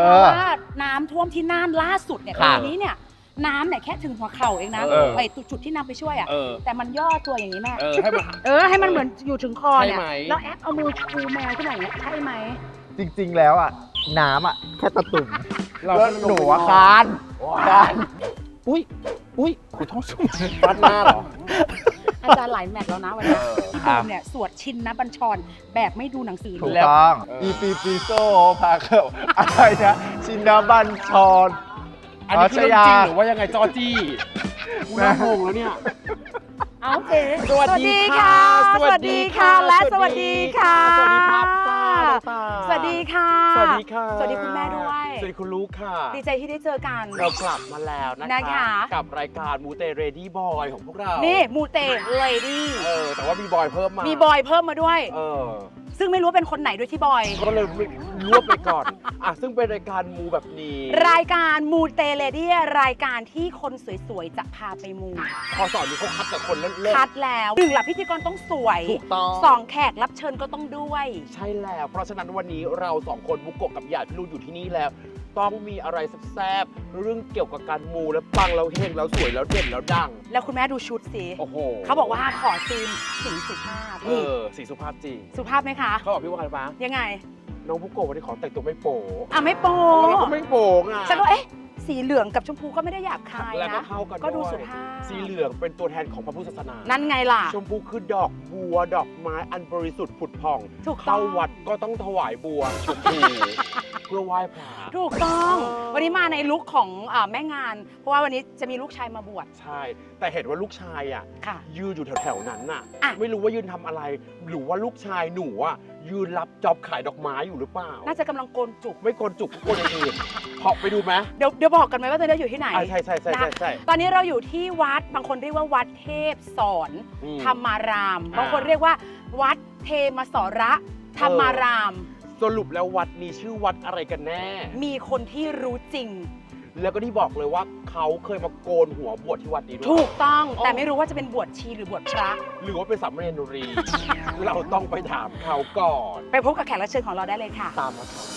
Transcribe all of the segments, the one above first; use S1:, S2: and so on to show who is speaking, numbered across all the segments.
S1: เพราะว่าน้ำท่วมที่น่านล่าสุดเนี่ยปีนี้เนี่ยน้ำเนี่ยแค่ถึงหัวเข่าเองนะไอ้จุดที่นำไปช่วยอ่ะแต่มันย่อตัวอย่างนี้แม่ให้มันเหมือนอยู่ถึงคอเนี่ยแล้วแอปเอามือชูแมวขึ้นมาอย่างเงี้ยใช่ไหม
S2: จริงๆแล้วอ่ะน้ำอ่ะแค่ตะตุ่มแล้วหนูคานอุ้ยขอโทษฟัดหน้าเหรอ
S1: อาจารย์หลายแมตช์แล้วนะวันนี้พี่บูมเนี่ยสวดชินนะบัญชรแบบไม่ดูหนังสือ
S2: ถูกต้องอีปีโซพาเข้าอะไรนะชินนะบัญชร
S3: อันนี้คือเรื่องจริงหรือว่ายังไงจอจี้กูน่างงแล้วเนี่ย
S1: โอเคสวัสดีค่ะสวัสดีค่ะและสวัสดีค่ะ
S3: สวัสดีครับ
S1: สวัสดีค่ะ
S3: สวัสดีค่ะ
S1: สวัสดีคุณแม่ด้วย
S3: สวัสดีคุณลูกค่ะ
S1: ดีใจที่ได้เจอกัน
S3: เรากลับมาแล้วนะคะกับรายการมูเตเรดี้บอยของพวกเรา
S1: นี่มูเตเรดี้
S3: แต่ว่ามีบอยเพิ่มมา
S1: มีบอยเพิ่มมาด้วยซึ่งไม่รู้เป็นคนไหนด้วยที่บอย
S3: ก็เลยรวบไปก่อนซึ่งเป็นรายการมูแบบนี้
S1: รายการมูเตเลดี้รายการที่คนสวยๆจะพาไปมู
S3: พอสอนนี้เขาคัดแต่คนเล่น
S1: คัดแล้ว1ละพิธีกรต้องสวย
S3: ถูกต้อง
S1: 2แขกรับเชิญก็ต้องด้วย
S3: ใช่แล้วเพราะฉะนั้นวันนี้เรา2คนบุกโกะกับหยาดพี่ลูกอยู่ที่นี่แล้วต้องมีอะไรแซ่บๆเรื่องเกี่ยวกับการมูแล้วปังแล้วเฮงแล้วสวยแล้วเด่นแล้วดัง
S1: แล้วคุณแม่ดูชุดสิ
S3: โอ้โห
S1: เขาบอกว่าขอซีนสีสุภาพ
S3: สีสุภาพจริง
S1: สุภาพไหมคะ
S3: เขาบอกพี่ว่าอะไรบ้าง
S1: ยังไง
S3: น้องบุกโกะวันนี้ขอแต่งตัวไม่โป๊
S1: ไม่โป๊
S3: แล้วก็ไม่โป๊
S1: ฉันก็สีเหลืองกับชมพูก็ไม่ได้หยาบคายนะ
S3: แล้วก็เข้ากัน
S1: ก็ดูสุภาพ
S3: สีเหลืองเป็นตัวแทนของพระพุทธศาสนา
S1: นั่นไงล่ะ
S3: ชมพูคือดอกบัวดอกไม้อันบริสุทธิ์ผุดผ่อง
S1: ถูกต้อง
S3: เข้าวัดก็ต้องถวายบัวชมพูเพื่อไหว้พระ
S1: ถูกต้องวันนี้มาในลุคของแม่งานเพราะว่าวันนี้จะมีลูกชายมาบวช
S3: ใช่แต่เห็นว่าลูกชายยืนอยู่แถวๆนั้นน่ะไม่รู้ว่ายืนทำอะไรหรือว่าลูกชายหนูยืนรับจ็อบขายดอกไม้อยู่หรือเปล่า
S1: น่าจะกำลังโกนจุก
S3: ไม่โกนจุกโกนอื่นพอไปดูไหม
S1: เดี๋ยวบอกกันไหมว่าตอนนี้อยู่ที่ไหน
S3: ใช่
S1: ตอนนี้เราอยู่ที่วัดบางคนเรียกว่าวัดเทพสอนธรรมารามบางคนเรียกว่าวัดเทมสระธรรมาราม
S3: สรุปแล้ววัดนี้ชื่อวัดอะไรกันแน่
S1: มีคนที่รู้จริง
S3: แล้วก็ที่บอกเลยว่าเขาเคยมาโกนหัวบวชที่วัดนี้ด้วย
S1: ถูกต้องแต่ไม่รู้ว่าจะเป็นบวชชีหรือบวชพระ
S3: หรือว่าเป็นสามเณรรีเราต้องไปถามเขาก่อน
S1: ไปพบกับแขกรับเชิญของเราได้เลยค่ะ
S3: ตามมาครับ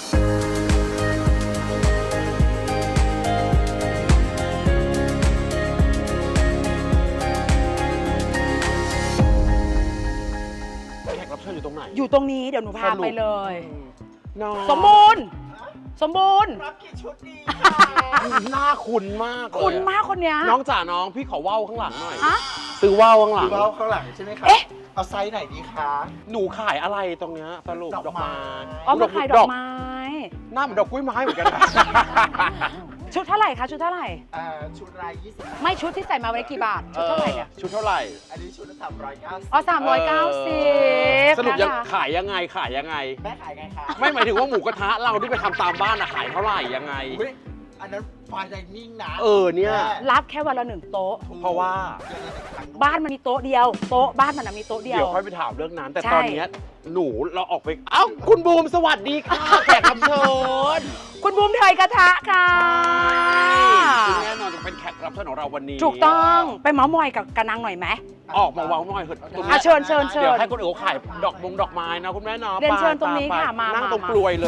S3: แขกรับเชิญอยู่ตรงไหน
S1: อยู่ตรงนี้เดี๋ยวหนูพาไปเลยสมบูรณ์
S2: รับกี่ชุดดี
S3: หน้าคุ้นมาก
S1: คุ้นมากคนเนี้ย
S3: น้องจ๋าน้องพี่ขอว่าวข้างหลังหน่อยซื้อว่าวข้างหลัง
S2: ข้างหลังใช่ไหมคะเอาไซส์ไหนดีคะ
S3: หนูขายอะไรตรงเนี้ยสรุปดอกไม้
S1: มาขายดอกไม้
S3: หน้าเหมือนดอกกล้วยไม้เหมือนกัน
S1: ชุดเท่าไหร่คะชุดเท่าไหร่
S2: ชุดราย20
S1: ไม่ชุดที่ใส่มาวันนี้กี่บาทชุดเท่าไหร่เนี่ย
S3: ชุดเท่าไหร่
S2: อันนี้ชุดละ390
S1: 390
S3: สรุปยังขายยังไง
S2: แม่ขายไงคะ
S3: ไม่หมายถึงว่าหมูกระทะเราที่ไปทำตามบ้านขายเท่าไหร่ยังไง
S2: อันนั้นไฟไดนิ่งนะ
S3: เนี่ย
S1: รับแค่วันละ1โต๊ะ
S3: เพราะว่า
S1: บ้านมันมีโต๊ะเดียวโต๊ะบ้านมันมีโต๊ะเดียว
S3: เดี๋ยวค่อยไปถามเรื่องนั้นแต่ตอนนี้หนูเราออกไปคุณบูมสวัสดีค่ะแขกรับเชิญ
S1: คุณบูมเทยกระทะค่ะ
S3: แน่นอนจะเป็นแขกรับเชิญของเราวันนี้
S1: ถูกต้องไปเมาส์มอยกับกระนังหน่อยไหม
S3: ออกมาเมาส์มอยเถ
S1: อะเชิญเดี๋
S3: ยวให้คนอื่นเขาขายดอกไม้นะคุณแม่เนาะ
S1: เรียนเชิญตรงนี้ค่ะมา
S3: นั่งตรงกลวยเลย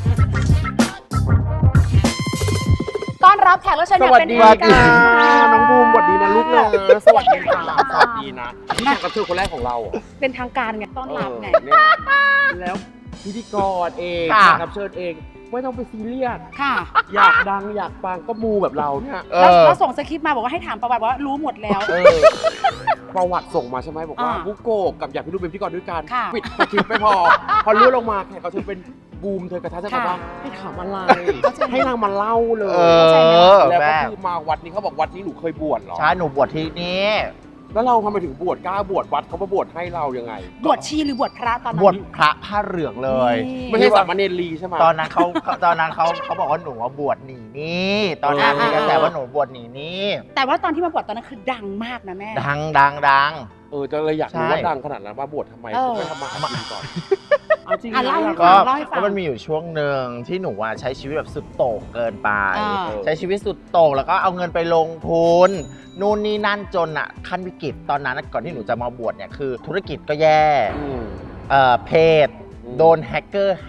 S1: ต้อนรับแขกรับเชิญอย่างเป็นทางการ
S3: น้องบูมสวัสดีนะลูกนะสวัสดีค่ะสวัสดีนะนี่แขกรับเชิญคนแรกของเรา
S1: เป็นทางการไงต้อนรับไง
S3: แล้วพิธีกรเองแขกรับเชิญเองไม่ต้องไปซีเรียส
S1: ค่ะ
S3: อยากดังอยากปังก็มูแบบเราเนี่ย
S1: แล้วส่งสคริปต์มาบอกว่าให้ถามประวัติว่ารู้หมดแล้ว
S3: ประวัติส่งมาใช่ไหมบอกว่าบุโกะกับอยากพี่ลูกเป็นพิธีกรด้วยกันปิดสคริปต์ไม่พอรู้ลงมาแขกเขาจะเป็นบูมเธอกระทะจะบอกว่าให้ถามอะไรให้นางมาเล่าเลยแล้วก็คือมาวัดนี้เขาบอกวัดนี้หนูเคยบวชเหรอ
S2: ใช่หนูบวชที่นี่
S3: แล้วเราทำไมถึงบวชกล้าบวชวัดเขามาบวชให้เรายังไง
S1: บวชชีหรือบวชพระตอนนั้น
S2: บวชพระผ้าเหลืองเลย
S3: ไม่ใช่สามเณรลีใช่ไหม
S2: ตอนนั้นเขาบอกว่าหนูว่าบวชหนีนี่ตอนนั้นมีกระแสว่าหนูบวชหนีนี่
S1: แต่ว่าตอนที่มาบวชตอนนั้นคือดังมากนะแม่
S2: ดัง
S3: จะเลยอยากรู้ว่าดังขนาดนั้นมาบวชทำไมไม่ทำมาหากินก่อน
S1: จริงเล่าให้
S2: ฟังมันมีอยู่ช่วงหนึ่งที่หนูใช้ชีวิตแบบสุดโต่งเกินไปใช้ชีวิตสุดโต่งแล้วก็เอาเงินไปลงทุนนู่นนี่นั่นจนขั้นวิกฤตตอนนั้นก่อนที่หนูจะมาบวชเนี่ยคือธุรกิจก็แย่เพจโดนแฮกเกอร์แฮก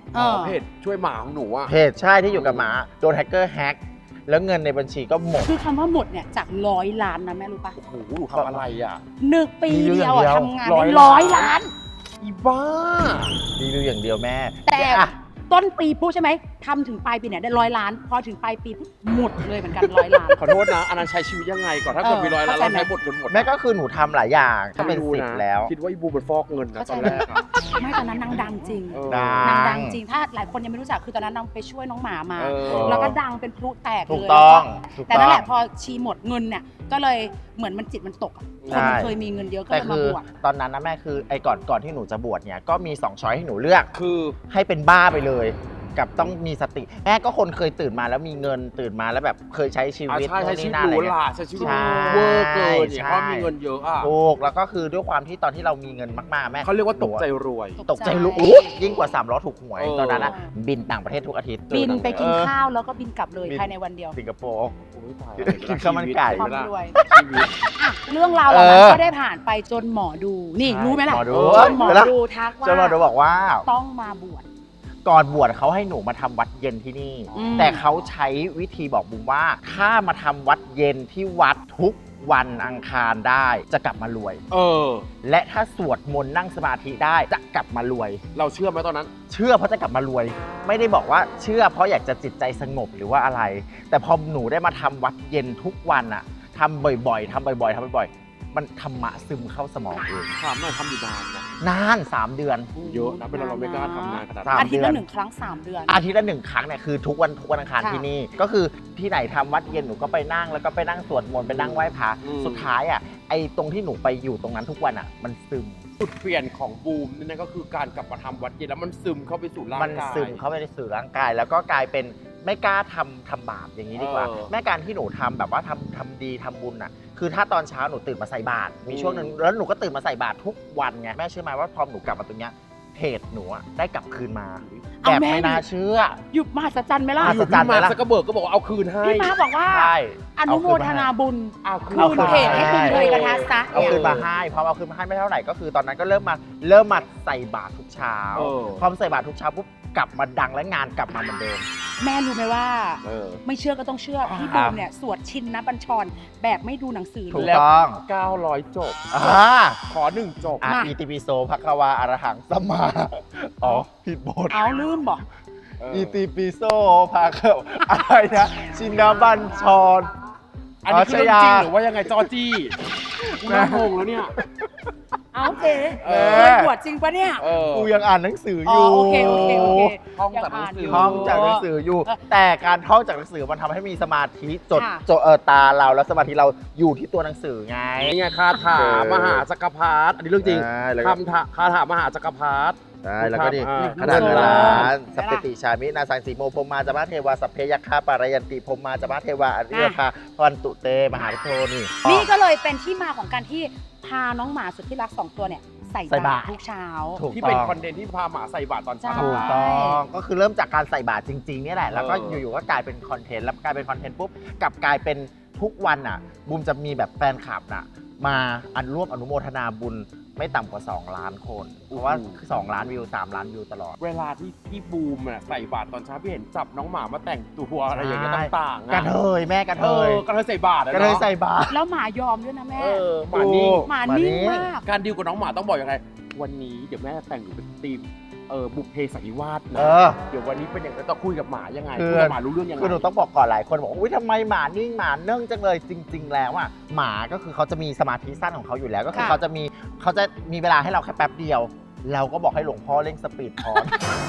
S3: เพจช่วยหมาของหนูอะ
S2: เพจใช่ที่อยู่กับหมาโดนแฮกเกอร์แฮกแล้วเงินในบัญชีก็หมด
S1: คือคำว่าหมดเนี่ยจาก100 ล้านนะแม่รู้ปะ
S3: โอ้โหหนูทำอะไรอ่ะ
S1: 1 ปีเดียว
S2: มีอยู่อย่างเดียว
S1: ทำงานได้100 ล้าน
S3: อีบ้า
S2: รีวิวอย่างเดียวแม่
S1: แต่
S2: อ่ะ
S1: ต้นปีปุ๊บใช่ไหมทำถึงปลายปีเนี่ยได้100 ล้าน พอถึงปลายปีปุ๊บหมดเลยเหมือนกัน100 ล้าน
S3: ขอโทษนะอันนั้นใช้ชีวิตยังไงก่อนถ้าเกิดมีร้อยล้าน
S1: เข้าใจ
S3: เรา
S1: ไหม
S3: ใช้หมดจนหมด
S2: แม่ก็คือหนูทำหลายอย่างก็เป็น
S3: ไม่รู้
S2: 10
S3: นะ
S2: แล้ว
S3: คิดว่าอีบูมันฟอกเงินนะ
S1: เข้าใจ
S3: ตอนแรกอะ
S1: ไม่ตอนนั้นนางดังจริง
S3: เออ
S2: ดั
S1: นางดังจริงถ้าหลายคนยังไม่รู้จักคือตอนนั้นนางไปช่วยน้องหมามา
S3: เออ
S1: แล้วก็ดังเป็นพลุแตก
S2: ถูก
S1: เลย
S2: ต้องถูก
S1: แต่
S2: ต้
S1: นั่
S2: อนง
S1: แหละพอชีหมดเงินเนี่ยก็เลยเหมือนมันจิตมันตกอะคนมัน
S2: ใช่
S1: เคยมีเงินเยอะก็
S2: แต่
S1: เลยมา
S2: คือบ
S1: วช
S2: ตอนนั้นนะแม่คือไอ้ก่อนที่หนูจะบวชเนี่ยก็มี2ช้อยให้หนูเลือก
S3: คือ
S2: ให้เป็นบ้าไปเลย กับต้องมีสติแม่ก็คนเคยตื่นมาแล้วมีเงินตื่นมาแล้วแบบเคยใช้ชีวิต
S3: ใช่ใช้
S2: โน่น
S3: ชีวิ
S2: นี่
S3: ต
S2: นั่น
S3: ห
S2: อะไร
S3: รูห
S2: เงี้
S3: ราย ใช้ชีวิต
S2: ใช่
S3: เวอร์เกินเนี่ย
S2: ใช่
S3: เพราะมีเงินเยอะอ่ะ
S2: ถูกแล้วก็คือด้วยความที่ตอนที่เรามีเงินมากๆแม่
S3: เขาเรียกว่าตกใจรวย
S2: ตกใจรู้
S1: ใช่
S2: อุ๊ยยิ่งกว่า3ล้อถูกหวย
S3: เออ
S2: ตอนนั้นอะบินต่างประเทศทุกอาทิตย์
S1: บินไปกิน
S2: เออ
S1: ข้าวแล้วก็บินกลับเลย
S2: บิน
S1: ภายในวันเดียว
S2: สิงคโปร์
S3: โอ้ยตาย
S2: กินข้าวมันไก่
S1: ความ
S3: เวลาร
S1: วย
S3: ชีวิต
S1: อ่ะเรื่องราวเหล่านั้นก็ได้ผ่านไปจนหมอดูนี่
S2: ใช่
S1: รู้ไหมล่ะ
S2: หมอดู
S1: จนหมอ
S2: เวลา
S1: ดูทักว่า
S2: จนหมอดูบอกว่า
S1: ต้องมาบวช
S2: ก่อนบวชเขาให้หนูมาทำวัดเย็นที่นี่
S1: อืม
S2: แต่เขาใช้วิธีบอกบุมว่า ถ้ามาทำวัดเย็นที่วัดทุกวันอังคารได้จะกลับมารวย
S3: เออ
S2: และถ้าสวดมนต์นั่งสมาธิได้จะกลับมารวย
S3: เราเชื่อไหมตอนนั้น
S2: เชื่อเพราะจะกลับมารวย ไม่ได้บอกว่าเชื่อเพราะอยากจะจิตใจสงบหรือว่าอะไร แต่พอหนูได้มาทำวัดเย็นทุกวันอะทำบ่อยๆทำบ่อยๆมันธรรมะซึมเข้าสมองเอง
S3: ถามหน่อยทำอยู่นานนะ
S2: นาน 3 เดือน
S3: เยอะนะเป็นเราไม่กล้าทำนานขนาด
S2: สาม
S3: นั้น
S1: อาทิตย์ละ1 ครั้ง 3 เดือน
S2: อาทิตย์ละ1 ครั้งเนี่ยคือทุกวันอังคาร
S1: ค่ะ
S2: ที่นี่ ก็คือที่ไหนทำวัดเย็นหนูก็ไปนั่งแล้วก็ไปนั่งสวดมนต์ไปนั่งไหว้พระสุดท้ายอะไอ้ตรงที่หนูไปอยู่ตรงนั้นทุกวันอะมันซึม
S3: จุดเปลี่ยนของบูมนั่นก็คือการกลับมาทำวัดเย็นแล้วมันซึมเข้าไปสู่ร่าง
S2: มัน
S3: กาย
S2: ซึมเข้าไปในสื่อร่างกาย แล้วก็กลายเป็นไม่กล้าทำบาปอย่างนี้ดีกว่า แม่การที่หนูทำแบบว่าทำดีทำบุญอ่ะคือถ้าตอนเช้าหนูตื่นมาใส่บาตรมีช่วงนึงแล้วหนูก็ตื่นมาใส่บาตรทุกวันไงแม่เชื่อไหมว่าพอหนูกลับมาตรงเนี้ยเพจหนูอะได้กลับคืนมา
S1: เอา
S2: แบบ
S1: แม่
S2: ไม่น่าเชื่อ
S1: หยุดมหัศจรรย์ไหมล่ะ
S2: มหั
S3: อ
S2: ศ
S3: ยู่
S2: จรร
S3: พี่
S2: ย์ไหม
S3: มา
S2: ล่ะ
S3: สกเบิร์กก็บอกว่าเอาคืนให้
S1: พี่ม้าบอกว่า
S2: ใช่
S1: อนุโมทนาบุญ
S3: เอาคื
S1: คืนเพจให้คุณเลยกระทะซะ
S2: เอาคืนมาให้พอเอาคืนมาให้ไม่เท่าไหร่ก็คือตอนนั้นก็เริ่มมาใส่บาตรทุกเช้า
S3: เออ
S2: พอใส่บาตรทุกเช้าปุ๊บกลับมาดังและงานกลับมาเหมือนเดิม
S1: แม่รู้ไหมว่า
S3: เออ
S1: ไม่เชื่อก็ต้องเชื่อ พี่บูมเนี่ยสวดชินนะบัญชรแบบไม่ดูหนังสือ
S2: ถูก
S1: เลย
S2: ต้อง
S3: 900 จบ
S2: ขอ
S3: 1 จบ
S1: มา
S2: อิติปิโสภควาอรหังสัมมาอ๋อผิดบท
S1: เอาลืมบอก
S2: อิติปิโสภควาอะไรนะชินบัญชร
S3: อันนี้คือเรื่องจริง
S2: ชยา
S3: หรือว่ายังไงจอจี้กูน่างงแล้วเนี่ย
S1: เอาเจ๊
S3: เออ
S1: เคยบวชจริงปะเนี่ย
S3: เออ
S2: กูยังอ่านหนังสืออ
S1: อ๋อยู่ โอเค
S3: ท่องจากหนังสือ
S2: ท่องจากหนังสืออยู่ แต่การท่องจากหนังสือมันทำให้มีสมาธิจดตาเราแล้วสมาธิเราอยู่ที่ตัวหนังสือไง
S3: นี่ไงคาถามหาจักรพรรดิอันนี้เรื่องจริง
S2: ใช่แล้วก็
S3: คาถามหาจักรพรรดิ
S2: ใช่แล้วก็นี่
S3: อ่า
S2: ขนาดเวลาสัพเพติชามินาสังสีโมพรหมาจามะเทวาสัพเพยัคฆาปารายันติพรหมาจามะเทวาอริยคาพันตุเตมหาวิโทนี่
S1: นี่ก็เลยเป็นที่มาของการที่พาน้องหมาสุดที่รัก2 ตัวเนี่ยใส่
S2: ใส่บา
S1: บา
S2: ต
S1: ต
S2: ร
S1: รทุกเช้า
S2: ถูก
S3: ที่
S2: ต้
S3: เป็น
S2: อง
S3: คอนเทนต์ที่พาหมาใส่บาตรตอนเช้า
S1: ใช่
S2: ถูกต้องก็คือเริ่มจากการใส่บาตรจริงๆเนี่ยแหละ แล้วก็
S3: เออ
S2: อยู่ๆก็กลายเป็นคอนเทนต์แล้วกลายเป็นคอนเทนต์ปุ๊บกลับกลายเป็นทุกวันอ่ะบูมจะมีแบบแฟนคลับน่ะมาร่วมอนุโมทนาบุญไม่ต่ำกว่า2 ล้านคน เพราะว่า2 ล้านวิว3 ล้านวิวตลอด
S3: เวลาที่พี่บูมอะใส่บาตรตอนเช้าพี่เห็นจับน้องหมามาแต่งตัวอะไรอย่างเงี้ย
S2: ใช่
S3: ต่างๆ
S2: กระเทยแม่กระเทย
S3: กระเทยใส่บาตรอะ
S2: กระเทย
S3: เนาะ
S2: ใส่บาตร
S1: แล้วหมายอมด้วยนะแม่
S3: หมานิ่ง
S1: หมานิ่งมาก
S3: การดีลกับน้องหมาต้องบอกยังไง วันนี้เดี๋ยวแม่แต่งหนูเป็นธีมบุพเพสันนิวาสนะ เดี๋ยววันนี้เป็นอย่างไรต้องคุยกับหมายังไง
S2: คือ
S3: คุยกับหมารู้เรื่องยังไง
S2: คือหนูต้องบอกก่อนหลายคนบอกอุ้ยทำไมหมานิ่งหมาเนื่องจังเลยจริง ๆ แล้วอ่ะหมาก็คือเขาจะมีสมาธิสั้นของเขาอยู่แล้ว ก็คือ
S1: ค่ะ
S2: เขาจะมีเวลาให้เราแค่แป๊บเดียว เราก็บอกให้หลวงพ่อเร่งสปีดพอ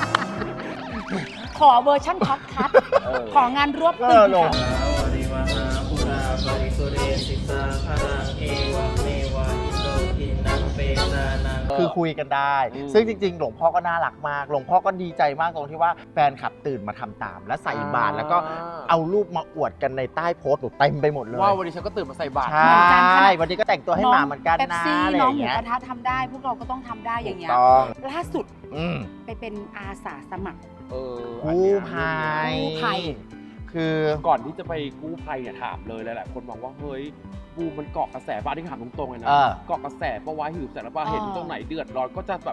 S1: ขอเวอร์ชั่นท็อปคัท
S3: เออ
S1: ของานรวบ
S2: เอ
S1: ตึ
S2: อง ลง คือคุยกันได้ ซึ่งจริงๆ หลวงพ่อก็น่ารักมาก หลวงพ่อก็ดีใจมากตรงที่ว่าแฟนคลับตื่นมาทำตาม และใส่บาตรแล้วก็เอารูปมาอวดกันในใต้โพสต์หนูเต็มไปหมดเลย
S3: ว่าวันนี้ฉันก็ตื่นมาใส่บาตร
S2: ใช่ วันนี้ก็แต่งตัวให้หมาเหมือนกัน
S1: เป๊ป
S2: นะ
S1: ซี่
S2: อะไรอ
S1: น้อง
S2: ย่าง
S1: หมู
S2: เงี้ย
S1: กระทะทำได้ พวกเราก็ต้องทำได้อย่างเงี้ย
S2: ถูกต้อง
S1: ล่าสุด
S2: อืม
S1: ไปเป็นอาสาสมัคร
S2: กู้ภัย
S1: กู้ภัย
S2: คือ
S3: ก่อนที่จะไปกู้ภัยเนี่ยถามเลยหลายๆคนบอกว่าเฮ้ยบูมมันเกาะกระแสบ้านที่ถามตรงๆเลยนะ
S2: เออ
S3: เกาะกระแสเพราะว่าหิวแสงแล้วว่าเห็นตรงไหนเดือดร้อนก็จะแบบ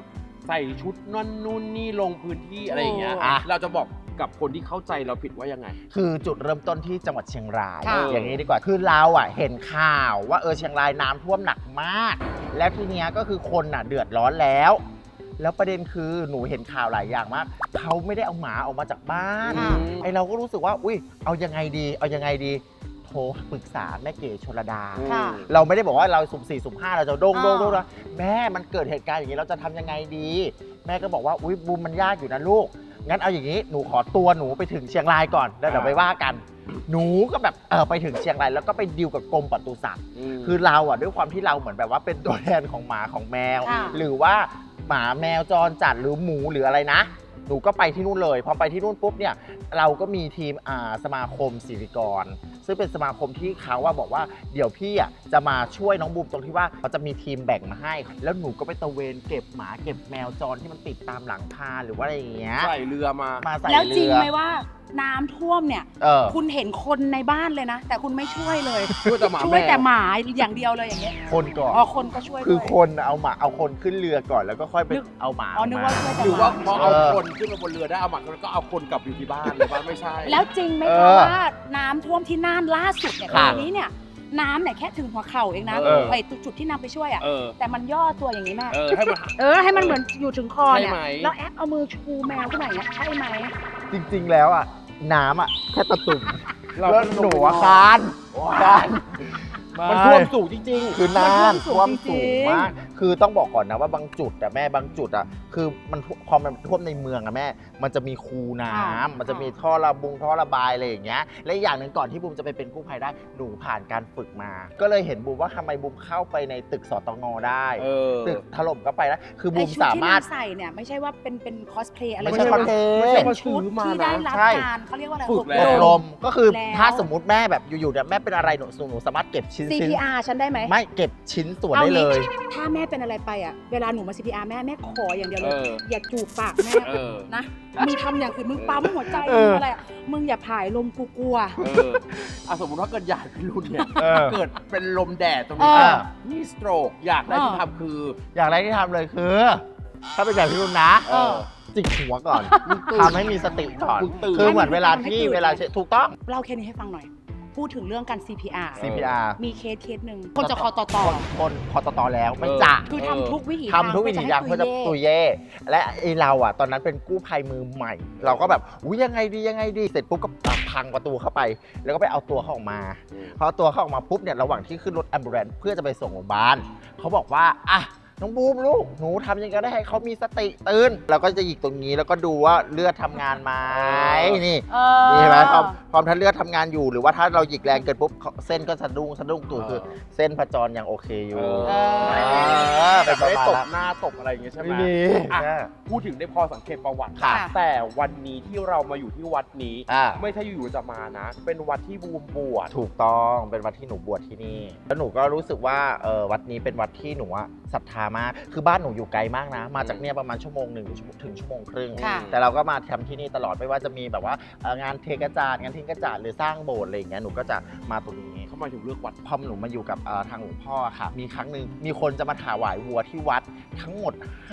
S3: ใส่ชุดนั่นนู่นนี่ลงพื้นที่อะไรอย่างเงี้ยเราจะบอกกับคนที่เข้าใจเราผิดว่ายังไง
S2: คือจุดเริ่มต้นที่จังหวัดเชียงราย
S1: ค่ะ
S2: อย่างนี้ดีกว่าคือเราเห็นข่าวว่าเชียงรายน้ำท่วมหนักมาก แล้วทีเนี้ยก็คือคนเดือดร้อนแล้วประเด็นคือหนูเห็นข่าวหลายอย่างมากเขาไม่ได้เอาหมาออกมาจากบ้านไอเราก็รู้สึกว่าอุ้ยเอายังไงดีโทรปรึกษาแม่เก๋ชลดาเราไม่ได้บอกว่าเราสุ่ม4สุ่ม5เราจะโด่งนะแม่มันเกิดเหตุการณ์อย่างนี้เราจะทำยังไงดีแม่ก็บอกว่าอุ้ยบูมมันยากอยู่นะลูกงั้นเอาอย่างนี้หนูขอตัวหนูไปถึงเชียงรายก่อนแล้วเดี๋ยวไปว่ากันหนูก็แบบไปถึงเชียงรายแล้วก็ไปดีลกับกรมปศุสัตว์คือเราด้วยความที่เราเหมือนแบบว่าเป็นตัวแทนของหมาของแมวหรือว่าหมาแมวจรจัดหรือหมูหรืออะไรนะหนูก็ไปที่นู่นเลยพอไปที่นู่นปุ๊บเนี่ยเราก็มีทีมสมาคมศิริกรซึ่งเป็นสมาคมที่เขาบอกว่าเดี๋ยวพี่จะมาช่วยน้องบูมตรงที่ว่าเขาจะมีทีมแบ่งมาให้แล้วหนูก็ไปตะเวนเก็บหมาเก็บแมวจรที่มันติดตามหลังคาหรือว่าอะไรอย่างเงี้ย
S3: ใส่เรือมา
S2: ใส่เรือ
S1: แล้วจริงไหมว่าน้ำท่วมเนี่ยคุณเห็นคนในบ้านเลยนะแต่คุณไม่ช่วยเลยช่วยแต่หมาอย่างเดียวเลยอย่างเงี้ย
S2: คนก่อน
S1: คนก็ช่วย
S2: คือคนเอาคนขึ้นเรือก่อนแล้วก็ค่อยไปเอาหมา
S1: นึกว่าช่วยแต่หมา
S3: หรือว่าพอเอาคนขึ้นมาบนเรือได้เอาหมาแล้วก็เอาคนกลับอยู่ที่บ้านเลยบ้านไม่ใช่
S1: แล้วจริงไหมคะว่าน้ำท่วมที่น่านล่าสุดเนี่ยตอนนี้เนี่ยน้ำเนี่ยแค่ถึงหัวเข่าเองนะไอ้จุดที่นำไปช่วยแต่มันย่อตัวอย่างนี้แม่ให้มันเหมือนอยู่ถึงคอเนี่ยแล้วแอปเอามือชูแมวขึ้นมาอย่างเงี้ยใช่ไหม
S2: จริงๆแล้วน้ำแค่ตะตุ่มแล้วหนูคาน
S3: มันท่วมสูงจริง
S2: ๆคือน่านท่วมสูงมากคือต้องบอกก่อนนะว่าบางจุดแม่บางจุดคือมันพอมันท่วมในเมืองแม่มันจะมีคูน้ำมันจะมีท่อระบายอะไรอย่างเงี้ยและอีกอย่างหนึ่งก่อนที่บูมจะไปเป็นกู้ภัยได้หนูผ่านการฝึกมาก็เลยเห็นบูมว่าทำไมบูมเข้าไปในตึกสตง.ได้ตึกถล่มก็ไปนะคือบูมสามารถ
S1: ใส่เนี่ยไม่ใช่ว่าเป็นคอสเพลย์อะไร
S2: ไม่ใช่คอสเพลย์
S1: เป็นชุดที่ได้รับการเขาเรียกว่าอะไร
S2: อบรมก็คือถ้าสมมติแม่แบบอยู่ๆแม่เป็นอะไรหนูสามารถเก็บชิ้น
S1: CPR ฉันได้ไหม
S2: ไม่เก็บชิ้นส่วนได้เลย
S1: ถ้าแม่เป็นอะไรไปเวลาหนูมา CPR แม่ขออย่างเดียวเลยอย่าจูบปากแม่นะมึงทำอย่างอื่นมึงปั๊มหัวใจมึงอะไรมึงอย่าผายลมกูกลัว
S3: สมมติว่าเกิดอยากเป็นรุ่นเนี่ยเกิดเป็นลมแดดตรงนี้นี่สโตรกอยากได้ที่ทำคือ
S2: อยากได้ที่ทำเลยคือถ้าเป็นแบบพี่รุ่นนะจิกหัวก่อนทำให้มีสติก่อนคือเหมือนเวลาถูกต้อง
S1: เล่าแค่นี้ให้ฟังหน่อยพูดถึงเรื่องการ CPR มีเคสหนึ่งคนจะคอต
S2: คนคอตแล้วไม่จ่า
S1: คือทำทุกวิถี
S2: ทางเพื่อจะตุยเย่และเราตอนนั้นเป็นกู้ภัยมือใหม่เราก็แบบยังไงดีเสร็จปุ๊บก็พังประตูเข้าไปแล้วก็ไปเอาตัวเขาออกมาพอตัวเขาออกมาปุ๊บเนี่ยระหว่างที่ขึ้นรถแอมบูเลนซ์เพื่อจะไปส่งโรงพยาบาลเขาบอกว่าน้องบูมลูกหนูทำยังไงได้ให้เขามีสติตื่นเราก็จะหยิกตรงนี้แล้วก็ดูว่าเลือดทำงานไหมนี่เห็นไหมพร้อมถ้าเลือดทำงานอยู่หรือว่าถ้าเราหยิกแรงเกินปุ๊บเส้นก็สะดุ้งตู่คือเส้นผจรยังโอเคอยู่
S3: แต่ไม่ได้ตบหน้าตบอะไรอย่างเงี้ยใช่ไหมพูดถึงได้พอสังเกตประวัติแต่วันนี้ที่เรามาอยู่ที่วัดนี้ไม่ใช่อยู่ๆจะมานะเป็นวัดที่บูมบวช
S2: ถูกต้องเป็นวัดที่หนูบวชที่นี่แล้วหนูก็รู้สึกว่าวัดนี้เป็นวัดที่หนูศรัทธามากคือบ้านหนูอยู่ไกลมากนะมาจากเนี่ยประมาณชั่วโมง 1ถึงชั่วโมงครึ่งแต่เราก็มาทำที่นี่ตลอดไม่ว่าจะมีแบบว่างานเทกระจาดงานทิ้งกระจาดหรือสร้างโบสถ์อะไรอย่างเงี้ยหนูก็จะมาตรงนี้
S3: เข้ามาถึงเลือกวัด
S2: พอหนูมาอยู่กับทางหลวงพ่อค่ะมีครั้งหนึ่งมีคนจะมาถวายวัวที่วัดทั้งหมด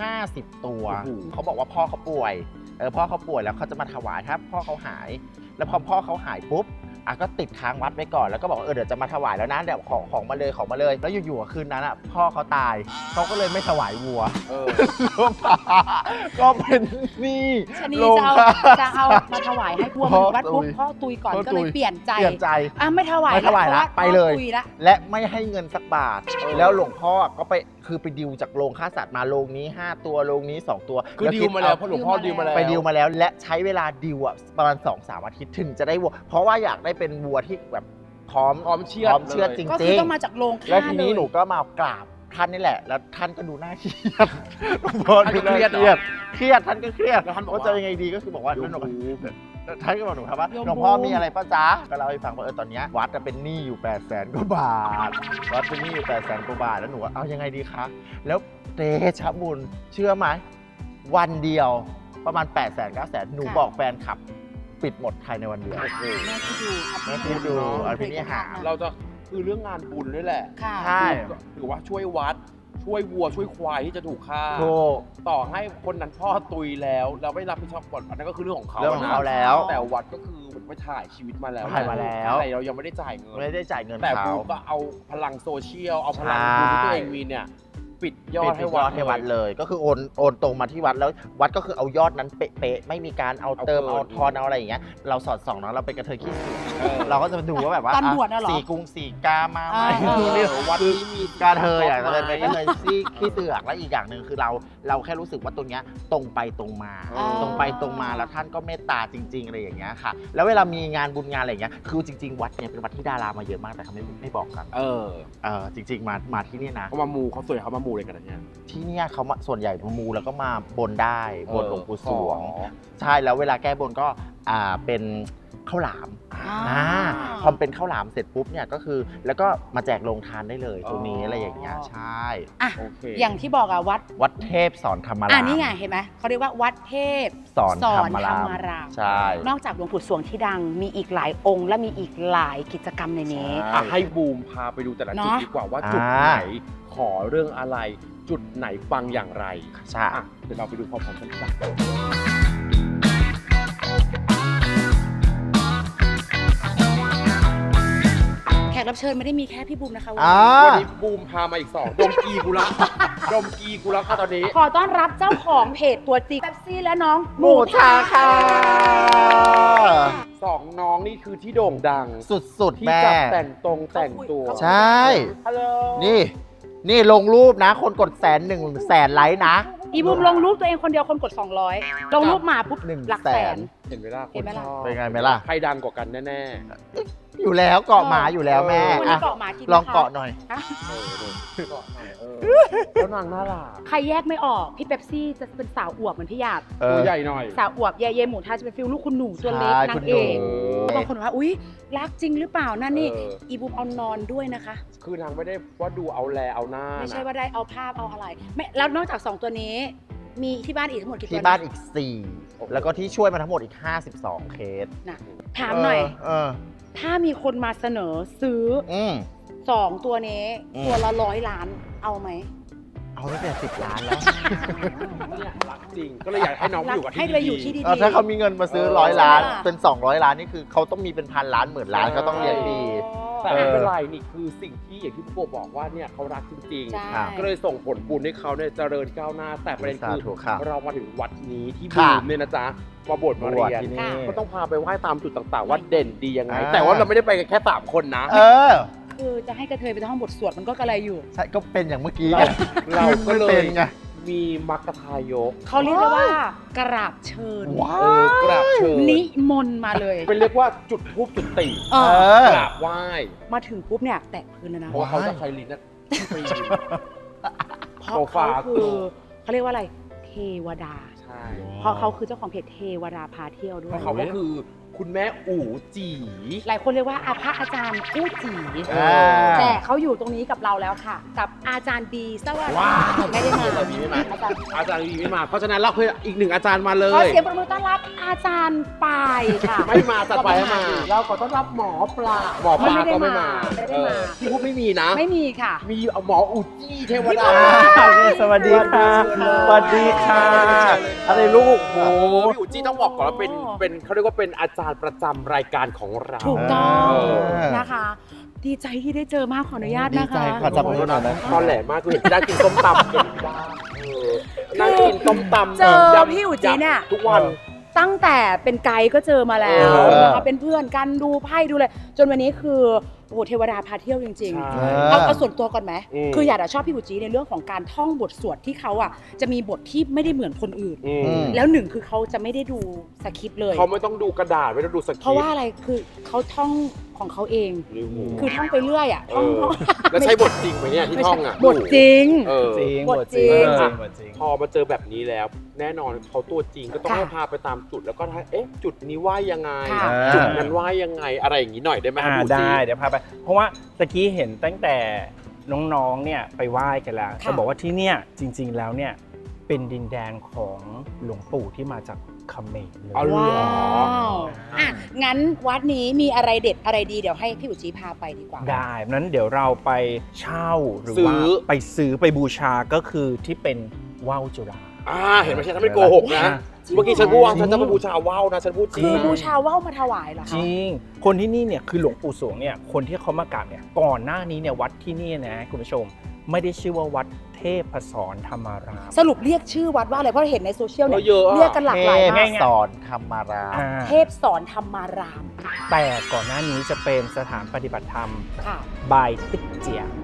S2: 50ตัวเขาบอกว่าพ่อเขาป่วยพ่อเขาป่วยแล้วเขาจะมาถวายถ้าพ่อเขาหายแล้วพอพ่อเขาหายปุ๊บก็ติดค้างวัดไว้ก่อนแล้วก็บอกเดี๋ยวจะมาถวายแล้วนะเดี๋ยวของมาเลยแล้วอยู่ๆคืนนั้นพ่อเขาตายเขาก็เลยไม่ถวายวัวก็เป็นนี่
S1: ชนีจะเอามาถวายให้วัววัดปุ๊บพ่อตุยก่อนก็เลยเปลี่ยนใจไม่ถวาย
S2: แล้วไปเลยและไม่ให้เงินสักบาทแล้วหลวงพ่อก็ไปคือไปดิวจากโรงฆ่าสัตว์มาโรงนี้5ตัวโรงนี้2ตัว
S3: คือดิวมาแล้วเพราะหลวงพ่อดิวมาแล้ว
S2: ไปดิวมาแล้วและใช้เวลาดิวประมาณ 2-3 อาทิตย์ถึงจะได้วัวเพราะว่าอยากได้เป็นวัวที่แบบพร้อมเชื่อจริงๆก็
S1: คือต้องมาจากโรงฆ่า
S2: แล้วทีนี้หนูก็มากราบท่านนี่แหละแล้วท่านก็ดูน่าเครียดหลวงพ่อดูน่าเครียดท่านก็เครียดแล้วท่านบอกว่าจะยังไงดีก็คือบอกว่าท่านก็บอกหนูครับว่าหลวงพ่อมีอะไรป้าจ๊ะก็เล่าให้ฟังว่าตอนนี้วัดเป็นหนี้อยู่800,000 กว่าบาทวัดเป็นหนี้อยู่800,000 กว่าบาทแล้วหนูว่าเอายังไงดีคะแล้วเตชะบุญเชื่อไหมวันเดียวประมาณ800,000-900,000หนูบอกแฟนคลับปิดหมดภายในวันเดียวแม่คิดดูอภินิหาร
S3: เราจะคือเรื่องงานบุญด้วยแหละ
S2: ใช่
S3: หรือว่าช่วยวัดช่วยวัวช่วยควายที่จะถูกฆ่า
S2: ถูก
S3: ต่อให้คนนั้นพ่อตุยแล้วเราไม่รับผิดชอบก่อนอันนั้นก็คือเรื่องของเขา
S2: เรื่องของเขา
S3: นะ
S2: แล้ว
S3: แต่วัดก็คือเหมือนไปถ่ายชีวิตมาแล้ว
S2: ถ่ายมาแล้ว
S3: แต่เรายังไม่ได้จ่ายเงิน
S2: ไม่ได้จ่ายเงิน
S3: แต่
S2: เขา
S3: บูมก็เอาพลังโซเชียลเอาพลัง
S2: ใช่
S3: บุญที่ตัวเองมีเนี่ยปิดยอดให้วัด
S2: ให้วัดเลย ก็คือโอนตรงมาที่วัดแล้ววัดก็คือเอายอดนั้นเป๊ะๆไม่มีการเอาเติม
S3: เอา
S2: เอา
S3: เกิน
S2: ทอนเอาอะไรอย่างเงี้ยเราสอดส่องเนาะเราเป็นกระเทยขี้เสือก
S3: เออ
S2: เราก็จะมาดูว่าแบบว่า
S1: ตอนบวชน่ะเหรอ
S2: สีกรุงสีกามาไหม
S1: เออ
S3: วัดนี้มี
S2: กาเทยอ่ะเลยเป็นกระเทยขี้เสือกและอีกอย่างหนึ่งคือเราแค่รู้สึกว่าตรงเนี้ยตรงไปตรงมา
S3: อ๋อ
S2: ตรงไปตรงมาแล้วท่านก็เมตตาจริงๆอะไรอย่างเงี้ยค่ะ แล้วเวลามีงานบุญงานอะไรอย่างเงี้ยคือจริง ๆ วัดเนี่ยเป็นวัดที่ดารามาเยอะมากแต่เขาไม่บอกกัน จริง ๆ มาที่นี่นะ
S3: เขามามูเขาสวยเขามามูเลยกันนะเนี่ย
S2: ที่เนี่ยเขามาส่วนใหญ่มามูแล้วก็มาบนได้บนหลวงปู่สวง
S3: อ๋อ
S2: ใช่แล้วเวลาแก้บนก็เป็นข้าวหลาม พอเป็นข้าวหลามเสร็จปุ๊บเนี่ยก็คือแล้วก็มาแจกโรงทานได้เลยตรงนี้อะไรอย่างเงี้ยใช่
S1: อ่ะ
S3: โอเค
S1: อย่างที่บอกอะ
S2: วัดเทพสอนธรรมราม
S1: นี่ไงเห็นไหมเขาเรียกว่าวัดเทพ
S2: สอนธรรมราม ใช่
S1: นอกจากหลวงปู่สวงที่ดังมีอีกหลายองค์ และมีอีกหลายกิจกรรมในนี้
S3: อ่ะให้บูมพาไปดูแต่ละจุด
S1: เนาะ
S3: ดีกว่าว่าจุดไหนขอเรื่องอะไร จุดไหนปังอย่างไร
S2: ใช่
S3: อ่ะเดี๋ยวเราไปดูพร้อมๆกันจ้ะ
S1: แขกรับเชิญไม่ได้มีแค่พี่บูมนะคะวัน
S2: อ่า
S1: นี้
S3: วันนี้บูมพามาอีกสองดมกีกูละดมกีกูละค่ะตอนนี้
S1: ขอต้อนรับเจ้าของเพจตัวจริงเป๊ปซี่และน้อง
S2: หมูทาค่ะ
S3: สองน้องนี่คือที่โด่งดัง
S2: สุด
S3: ที่
S2: ๆแม่
S3: จับแต่งตรงแต่งตัว
S2: ใช่
S3: ฮัลโหล
S2: นี่ลงรูปนะ คนกด100,000ไลค์นะ
S1: อีบูมลงรูปตัวเองคนเดียวคนกด 200 ลงรูปมาปุ๊บ
S2: 100,000
S1: หลักแสน
S3: เห็นไหมล่ะ
S1: เห็นไหมล่ะ
S3: คชอบ
S2: เป็นไงไหมล่ะ
S3: ใครดังกว่ากันแน่
S2: อยู่แล้วเกาะหมาอยู่แล้วแม่
S1: วันนี้
S2: อ่ะ
S1: เกาะหมากิน
S2: ลองเกาะหน่อย
S1: ฮะ
S3: ๆเกาะหน่อยแล้วนางน่ารัก
S1: ใครแยกไม่ออก พี่เป๊ปซี่จะเป็นสาวอวบเหมือนพี่หยาด
S3: ตัวใหญ่หน่อย
S1: สาวอวบเย่หมูทาจะเป็นฟิลลูกคุณหนูตัวเล็ก
S2: ใช่
S1: นา
S2: คุ
S1: ง
S2: ณห
S1: เอ
S2: นู
S1: กบางคนบอกว่าอุ๊ยรักจริงหรือเปล่านั่นนี่
S3: เออ
S1: อีบูมเอานอนด้วยนะคะ
S3: คือนางไม่ได้ว่าดูเอาแลเอาหน้า
S1: ไม่ใช่
S3: นะ
S1: ว่าได้เอาภาพเอาอะไรไม่แล้วนอกจาก 2 ตัวนี้ มีที่บ้านอีกทั้งหมดกี่ตัว
S2: ที่บ้านอีก 4 แล้วก็ที่ช่วยมาทั้งหมดอีก 52 เคส
S1: นะถามหน่อย
S2: เ
S1: ถ้ามีคนมาเสนอซื้อ
S2: อืม
S1: 2 ตัวนี้
S2: อืม
S1: ตัวละ100 ล้านเอาไหม
S2: เอาตั้งแต่10 ล้านแล้ว
S3: เนี่ยรักจริง ก็เลยอยากให้น้องไปอยู่กับที่
S1: ให้ไปอยู่ที่ดี
S2: ถ้าเขามีเงินมาซื้อ
S3: เออ
S2: 100 ล้าน
S1: ใช่ไหมล่ะ
S2: เป็น 200 ล้านนี่คือเขาต้องมีเป็นพันล้านหมื่นล้านเขาต้องเลี้ยงดี
S3: แต่ไม่เป็นไรนี่คือสิ่งที่อย่างที่พี่โบบอกว่าเนี่ยเขารักจริง
S1: ใช่
S2: ครับ
S3: ๆ ก็เลยส่งผลบุญให้เขาเนี่ยเจริญก้าวหน้า แต่ประเด็นคือ
S2: สาธุครับ
S3: เรามาถึงวัดนี้ที่
S2: ครั
S3: บู
S2: บ
S3: มเนี่ยนะจ๊ะมาบวชมาเรียน
S2: ที่นี่
S1: ค่ะ
S3: ก็ต้องพาไปไหว้ตามจุดต่างๆ ว่าเด่นดียังไง
S2: อ่า
S3: แต่ว่าเราไม่ได้ไปกันแค่3คนนะ
S2: เออ
S1: คือจะให้กระเทยไปท่องบทสวดมันก็กระไรอยู่
S2: ใช่ก็เป็นอย่างเมื่อกี้
S3: เรา
S2: ไง
S3: เราก็เล
S2: ป็
S3: ย
S2: นไง
S3: มีมัคคทายก
S1: เขาเรียกได้ว่ากราบเชิญ
S2: ว้า
S3: กราบเชิญ
S1: นิมนต์มาเลย
S3: เป็นเรียกว่าจุดธูปจุดติ
S1: เอ
S2: เอ
S1: อ
S2: อ
S3: กราบไหว้
S1: มาถึงปุ๊บเนี่ยแตะพื้นแล้วนะ
S3: เพราะว่าเขาจะใช้ลิ้นนะไปยืน
S1: เพราะ
S3: โซฟา
S1: เขาคือเขาเรียกว่าอะไร เทวดา
S3: ใช่
S1: เพราะเขาคือเจ้าของเพจเทวดาพาเที่ยวด้
S3: เพ
S1: วย
S3: ราะเขาก็คือคุณแม่อู๋จี
S1: หลายคนเรียกว่าพระอาจารย์กู้จี
S2: อ่า
S1: แต่เขาอยู่ตรงนี้กับเราแล้วค่ะ กับอาจารย์บีสวัสดี
S3: ว้าว
S1: ไม่ได้มา
S3: อาจารย์บีไม่มา
S1: อาจารย์
S3: อาจารย์วีไม่มา เพราะฉะนั้นเราเคยอีกหนึ่งอาจารย์มาเล
S1: ขอย เสียงประมือต้อนรับอาจารย์ปายค่ะ
S3: ไม่มาจัดไปให้มา เราขอต้อนรับหมอปลาหมอปลาก็ไม่มา
S1: ไม่ได้มา
S3: ที่พูดไม่มีนะ
S1: ไม่มีค่ะ
S3: มีหมออูจี้เทวดา
S2: สวัสดีค่ะสวัสดีค่ะ อะไรลูก
S3: โอ้พี่อูจี้ต้องบอกก่อนว่าเป็นเขาเรียกว่าเป็นอาจารย์ประจำรายการของเรา
S1: ถูกต้อง
S3: เออ
S1: นะคะ ดีใจที่ได้เจอมากขออนุญาต
S2: ดี
S1: นะ
S2: ใจ
S1: คะ
S2: ขอจับมือหน่อยนะ
S3: ตอนแหลมากคือเห็นที่ได้กินส้มตำเห็นบ้างนั่งกินส้มตำ
S1: เจอ
S3: ยำ
S1: พี่อู๋จีเนี่ย
S3: ทุกวัน
S1: ตั้งแต่เป็นไกด์ก็เจอมาแล้ว
S2: เออ
S1: นะคะเป็นเพื่อนกันดูไพ่ดูเลย จนวันนี้คือโอ้โหเทวดาพาเที่ยวจริง
S3: ใช่
S1: ๆ เอาส่วนตัวก่อนไหม
S3: อืม
S1: คืออยากจะชอบพี่บุจีในเรื่องของการท่องบทสวดที่เขาอ่ะจะมีบทที่ไม่ได้เหมือนคนอื่น
S3: อืม
S1: แล้วหนึ่งคือเขาจะไม่ได้ดูสคริปต์เลย
S3: เขาไม่ต้องดูกระดาษไม่ต้องดูสคริปต์
S1: เพราะว่าอะไรคือเขาท่องของเขาเอง คือท่องไปเรื่อยอ่ะท่อง
S3: แล้วใช้บทจริงไหมเนี่ยที่
S1: ไม่
S3: ท่
S1: ใช่
S3: องอ่ะ
S1: บทจริง
S3: เออ
S2: จริง
S1: บทจริง
S3: พอมาเจอแบบนี้แล้ว แน่นอนเขาตัวจริงก็ต้อง
S1: ค่ะ
S3: ให้พาไปตามจุดแล้วก็เอ๊ะจุดนี้ว่ายังไง
S1: ค่ะ
S3: จุดนั้นว่ายังไงอะไรอย่างนี้หน่อยได้ไหมครับพี่
S4: ได้เดี๋ยวพาไป เพราะว่าตะกี้เห็นตั้งแต่น้องๆเนี่ยไปไหว้กันแล้ว
S1: ค่ะ
S4: จะบอกว่าที่เนี่ยจริงๆแล้วเนี่ยเป็นดินแดนของหลวงปู่ที่มาจากเขมรเลย
S3: อ๋อเหรอ
S1: ว้าวอ่ะงั้นวัดนี้มีอะไรเด็ดอะไรดีเดี๋ยวให้พี่อุจีพาไปดีกว่า
S4: ได้นั้นเดี๋ยวเราไปเช่าหรือว่า
S3: ซื้อ
S4: ไปซื้อไปบูชาก็คือที่เป็นว่าวจุฬา
S3: เห็นไหมฉันไม่โกหกนะ
S1: จริงเหรอ
S3: เมื่อกี้ฉันพูดว่าฉันจะมาบูชาว่าวนะฉันพูดจริ
S1: คื
S3: ง
S1: อ
S3: นะ
S1: บูชาว่าวมาถวายเหรอ
S4: จ
S1: คะ
S4: ริง คนที่นี่เนี่ยคือหลวงปู่สวงเนี่ยคนที่เขามากราบเนี่ยก่อนหน้านี้เนี่ยวัดที่นี่นะคุณผู้ชมไม่ได้ชื่อว่าวัดเทพสรธรรมาราม
S1: สรุปเรียกชื่อวัดว่าอะไรเพราะเห็นในโซเชียลเนี่ย
S3: เยอะอะ
S1: เรียกกันหลากหลาย
S2: เท
S1: มา
S2: พ
S1: ก
S2: สอนธรรมาราม
S4: อ่า
S1: เทพสอนธรรมาราม
S4: แต่ก่อนหน้านี้จะเป็นสถานปฏิบัติธรรม
S1: ค่ะ
S4: บายติ๊กเจีย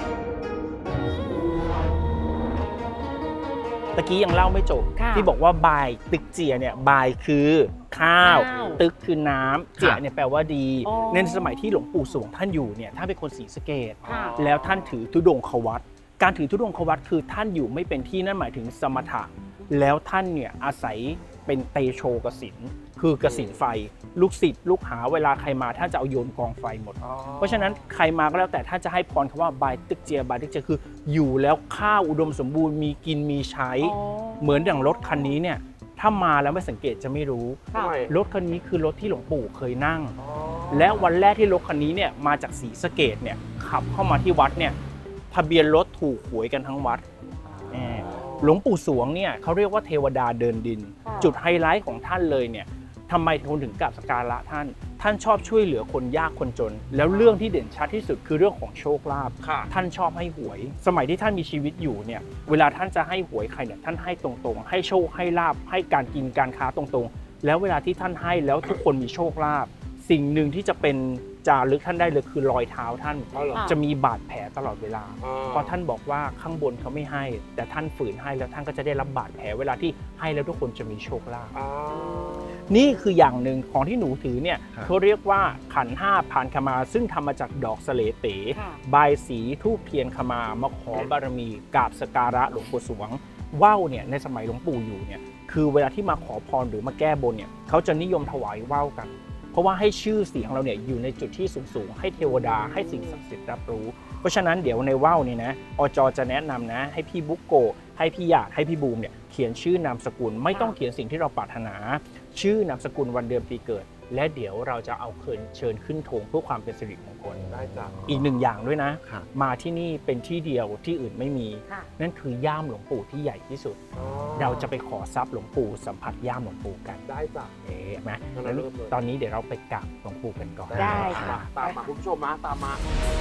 S4: ตะกี้ยังเล่าไม่จบ
S1: ค่ะ
S4: ที่บอกว่าบายตึกเจียเนี่ยบายคือข้าว ตึกคือน้ำเจียเนี่ยแปลว่าดี
S1: อ๋อ
S4: ในสมัยที่หลวงปู่สวงท่านอยู่เนี่ยท่านเป็นคนศรีสะเกษ
S1: ค่ะ
S4: แล้วท่านถือธุดงควัตรการถือธุดงควัตรคือท่านอยู่ไม่เป็นที่นั่นหมายถึงสมถะแล้วท่านเนี่ยอาศัยเป็นเตโชกสินคือกสินไฟ ลูกศิษย์ลูกหาเวลาใครมาท่านจะเอาโยนกองไฟหมด เพราะฉะนั้นใครมาก็แล้วแต่ถ้าจะให้พรคำว่าบายตึกเจียบายตึกเจียคืออยู่แล้วข้าวอุดมสมบูรณ์มีกินมีใช้
S1: อ๋อ
S4: เหมือนอย่างรถคันนี้เนี่ยถ้ามาแล้วไม่สังเกตจะไม่รู้
S1: ค่ะ
S4: รถคันนี้คือรถที่หลวงปู่เคยนั่ง และวันแรกที่รถคันนี้เนี่ยมาจากศรีสะเกษเนี่ยขับเข้ามาที่วัดเนี่ยทะเบียนรถถูกหวยกันทั้งวัดหลวงปู่สวงเนี่ยเขาเรียกว่าเทวดาเดินดิน
S1: ค่ะ
S4: จุดไฮไลท์ของท่านเลยเนี่ยทำไมคนถึงกราบสักการะท่านชอบช่วยเหลือคนยากคนจน แล้วเรื่องที่เด่นชัดที่สุดคือเรื่องของโชคลาภ
S3: ค่ะ
S4: ท่านชอบให้หวย สมัยที่ท่านมีชีวิตอยู่เนี่ยเวลาท่านจะให้หวยใครเนี่ยท่านให้ตรงๆ ให้โชคให้ลาภให้การกินการค้าตรงๆ แล้วเวลาที่ท่านให้แล้วทุกคนมีโชคลาภสิ่งหนึ่งที่จะเป็นจารึกท่านได้เลยคือรอยเท้าท่าน
S3: อ๋อเหรอ
S4: จะมีบาดแผลตลอดเวลา เพราะท่านบอกว่าข้างบนเขาไม่ให้ แต่ท่านฝืนให้แล้วท่านก็จะได้รับบาดแผลเวลาที่ให้แล้วทุกคนจะมีโชคลาภ นี่คืออย่างหนึ่งของที่หนูถือเนี่ย
S2: ครับ
S4: เขาเรียกว่าขันห้าพานขมาซึ่งทำมาจากดอกสะเลเต๋
S1: ค่ะ
S4: บายสีทูบเทียนขมามาขอบารมีกราบสกการะหลวงปู่สวงว่าวเนี่ยในสมัยหลวงปู่อยู่เนี่ยคือเวลาที่มาขอพรหรือมาแก้บนเนี่ยเขาจะนิยมถวายว่าวกัน เพราะว่าให้ชื่อเสียงเราเนี่ยอยู่ในจุดที่สูงๆให้เทวดาให้สิ่งศักดิ์สิทธิ์รับรู้ เพราะฉะนั้นเดี๋ยวในว่าวเนี่ยนะอจจะแนะนำนะให้พี่บุ๊กโกให้พี่หยาดให้พี่บูมเนี่ยเขียนชื่อนามสกุลไม่ต้องเขียนสิ่งที่เราปรารถนา ชื่อนามสกุลวันเดือนปีเกิด และเดี๋ยวเราจะเอาเชิญขึ้นธงเพื่อความเป็นสิริมงคล
S3: ได้จ้ะ
S4: อีกหนึ่งอย่างด้วยนะ
S2: ครับ
S4: มาที่นี่เป็นที่เดียวที่อื่นไม่มี
S1: ค่ะ
S4: นั่นคือย่ามหลวงปู่ที่ใหญ่ที่สุด เราจะไปขอทรัพย์หลวงปู่สัมผัสย่ามหลวงปู่กัน
S3: ได้จ้ะ
S4: เอ๊ะไหม
S3: งั้นเราเริ่มเลย
S4: ตอนนี้เดี๋ยวเราไปกราบหลวงปู่กันก่อน
S1: ได้ค่ะ
S3: ตามมาคุณผู้ชมมาตามมา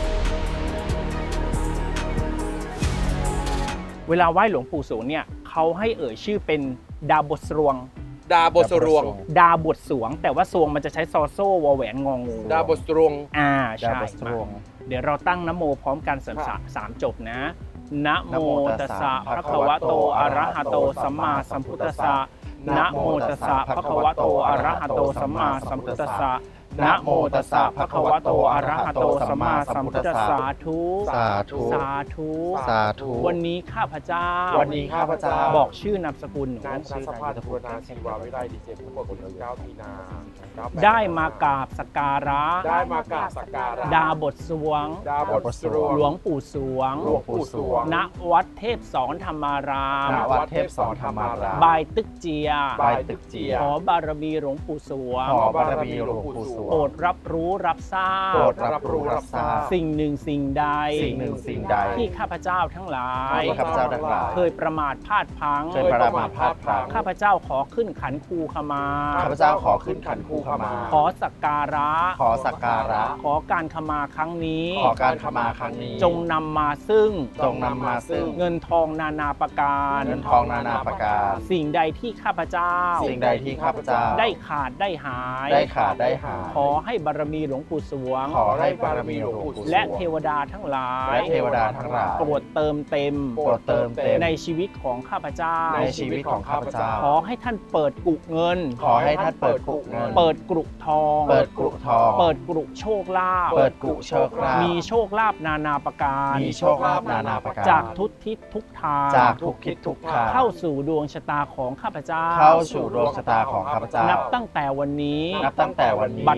S4: เวลาไหว้หลวงปู่สวงเนี่ยเขาให้เอ่ยชื่อเป็นดาบทสรวง
S3: ดาบทสรวง
S4: ดาบทสวง แต่ว่าสวงมันจะใช้ซอโซ่วอแหวนงองู
S3: ดาบทสรวง
S4: อ่า
S2: ดา
S4: ใช่
S2: บทสรวง
S4: เดี๋ยวเราตั้งนะโมพร้อมกันสามจบนะนะโมตัสสะภะคะวะโตอะระหะโตสัมมาสัมพุทธัสสะนะโมตัสสะภะคะวะโตอะระหะโตสัมมาสัมพุทธัสสะนะโมตัสสะภะคะวะโตอะระหะโตสัมมาสัมพุทธัสสะสาธุ
S2: สาธุ
S4: สาธุ
S2: สาธุ
S4: วันนี้ข้าพเจ้า
S3: วันนี้ข้าพเจ้า
S4: บอกชื่อนามสกุลหนู
S3: นายธนสภาทุรนาชีวาวิไลดีเจผู้ประกวด19มีนา
S4: ได้มากราบสักการะ
S3: ได้มากราบสักการะ
S4: ดาบทสวง
S3: ดาบทสรวง
S4: หลวงปู่สวง
S3: หลวงปู่สวง
S4: ณวัดเทพสอนธรรมาราม
S2: ณวัดเทพสอนธรรมาราม
S4: บายตึกเจีย
S3: บายตึกเจีย
S4: ขอบารมีหลวงปู่สวง
S2: ขอบารมีหลวงปู่สวง
S4: โปรดรับรู้รับทราบ
S2: โปรดรับรู้รับทราบ
S4: สิ่งหนึ่งสิ่งใด
S2: สิ่งหนึ่งสิ่งใด
S4: ที่ข้าพเจ้าทั้งหลาย
S2: ที่ข้าพเจ้าทั้งหลาย
S4: เคยประมาทพลาดพลั้ง
S2: เคยประมาทพลาดพลั้ง
S4: ข้าพเจ้าขอขึ้นขันครูขมา
S2: ข้าพเจ้าขอขึ้นขันครูขมา
S4: ขอสักการะ
S2: ขอสักการะ
S4: ขอการขมาครั้งนี้
S2: ขอการขมาครั้งนี้
S4: จงนำมาซึ่ง
S2: จงนำมาซึ่ง
S4: เงินทองนานาประการ
S2: เงินทองนานาประการ
S4: สิ่งใดที่ข้าพเจ้า
S2: สิ่งใดที่ข้าพเจ้า
S4: ได้ขาดได้หาย
S2: ได้ขาดได้หาย
S4: ขอให้บารมีหลวงปู่สวง
S2: ขอให้บารมีหลวงปู่สวง
S4: และเทวดาทั้งหลาย
S2: และเทวดาทั้งหลาย
S4: โปรดเติมเต็ม
S2: โปรดเติมเต็ม
S4: ในชีวิตของข้าพเจ้า
S2: ในชีวิตของข้าพเจ้า
S4: ขอให้ท่านเปิดกุเงิน
S2: ขอให้ท่านเปิดกุเงิน
S4: เปิดกรุทอง
S2: เปิดกุทอง
S4: เปิดกรุโชคลาภ
S2: เปิดกุโชคลาภ
S4: มีโชคลาภนานาประการ
S2: มีโชคลาภนานาประการ
S4: จากทุกทิศทุกทาง
S2: จากทุกทิศทุกทาง
S4: เข้าสู่ดวงชะตาของข้าพเจ้า
S2: เข้าสู่ดวงชะตาของข้าพเจ้า
S4: นับตั้งแต่วันนี้
S2: นับตั้งแต่วันนี้
S4: บัด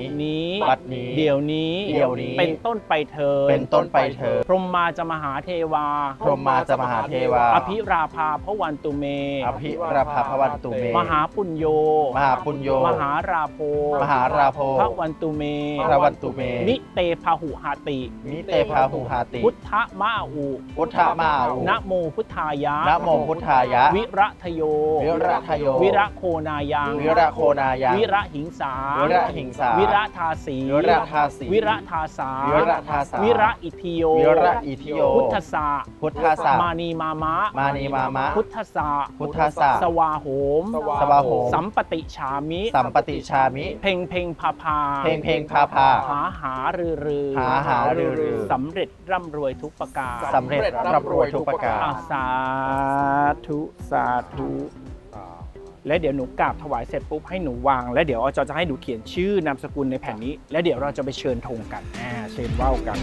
S4: นี้
S2: บัดนี้
S4: เดี๋ยวนี้
S2: เดี๋ยวนี้
S4: เป็นต้นไปเถิด
S2: เป็นต้นไปเถิด
S4: พรหมมาจะมหาเทวา
S2: พรหมมาจะมหาเทวา
S4: อภิราภาพระวันตุเม
S2: อภิราภาพวันตุเม
S4: มหาปุญโย
S2: มหาปุญโย
S4: มหาราโภ
S2: มหาราโภ
S4: พระวันตุเม
S2: พระวันตุเม
S4: นิเตพาหุหาติ
S2: มิเตพาหุหาติ
S4: พุทธมาอุ
S2: พุทธมาอุ
S4: นะโมพุทธายะ
S2: นะโมพุทธายะ
S4: วิระทโย
S2: วิระทโย
S4: วิระโคนายัง
S2: วิระโคนายัง
S4: วิระหิงสา
S2: วิระหิงสา
S4: วิระทาสี
S2: วิระทาสี
S4: วิระทาสา
S2: วิระทาสา
S4: วิระอิทิโย
S2: วิระอิทิโย
S4: พุทธสา
S2: พุทธสา
S4: มานีมามะ
S2: มานีมามะ
S4: พุทธสา
S2: พุทธสา
S4: สวาโหม
S2: สวาโหม
S4: สัมปติฉามิ
S2: สัมปติชามิ
S4: เพ่งเพ่งพาพา
S2: เพลงเพลงพาพา
S4: หารือรือ
S2: หารือรือ
S4: สำเร็จร่ำรวยทุกประการ
S2: สำเร็จร่ำรวยทุกประการ
S4: สาธุสาธุและเดี๋ยวหนูกราบถวายเสร็จปุ๊บให้หนูวาง แล้วเดี๋ยวอาจารย์จะให้หนูเขียนชื่อนามสกุลในแผ่นนี้ แล้วเดี๋ยวเราจะไปเชิญธงกันเชิญว่าวกัน